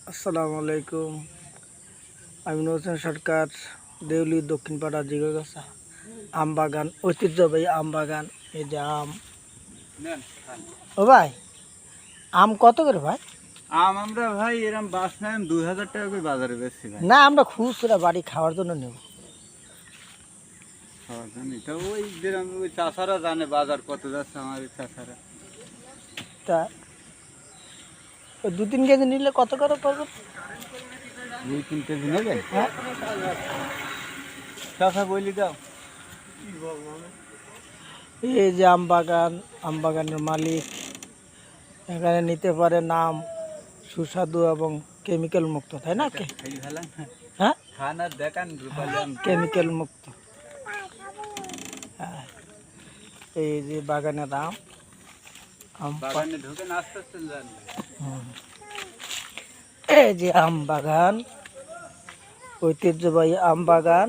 আসসালামু আলাইকুম। আমি নজরুল সরকার, দেউলি দক্ষিণ পাড়া জিগরগাছা আম বাগান, ঐতিহ্যবাহী আম বাগান। এই যে আম। ও ভাই, আম কত করে ভাই? আম আমরা ভাই এরম বাস নাই 2000 টাকা করে বাজারে বেচছি ভাই। না, আমরা খুচরা বাড়ি খাওয়ার জন্য নেব। তো ওই যেরকম ওই চাষারা জানে বাজার কত যাচ্ছে আমার ওই চাষারা। তা ওই 2-3 কেজি নিলে কত করে পড়বে? 2-3 কেজি নেবেন? হ্যাঁ, চাষা বলি দাও। এই যে আম বাগান, আম বাগানের মালিক এখানে নিতে পারে। নাম সুস্বাদু এবং কেমিক্যাল মুক্ত, তাই না? খাই ফেলাম হ্যাঁ, খান আর দেখান রূপালি আম। কেমিক্যাল মুক্ত। হ্যাঁ, এই যে বাগানের আম, আম বাগানে ঢুকে নাচতে যান। হুম। এই যে আম বাগান, ঐতিহ্যবাহী আম বাগান।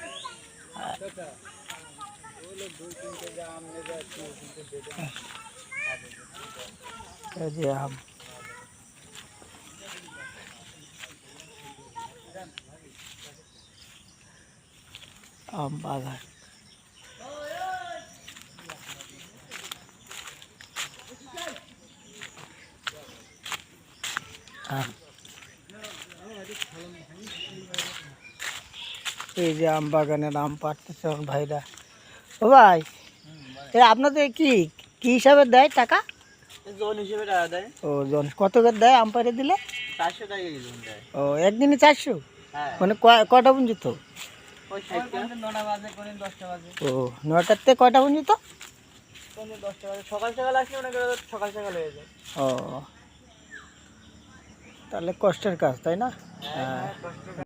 এই যে আম, আম বাগান। আম। এই যে আম বাগানের আম পাড়তেছে আমার ভাইরা। ও ভাই, আপনাদের কি কি হিসাবে দেয় টাকা? জন হিসেবে টাকা দেয়। ও, জন কত করে দেয় আম পাড়ে দিলে? 400 টাকা কেজি দেয়। ও, একদিনে 400? হ্যাঁ, মানে কয়টা পর্যন্ত? ওই 9টা বাজে কোন 10টা বাজে। ও, 9টার থেকে কয়টা পর্যন্ত? কোন 10টা বাজে সকাল সকাল আসলে মনে করো সকাল সকাল হয়ে যায়। ও, তাহলে কষ্টের কাজ, তাই না? হ্যাঁ, কষ্ট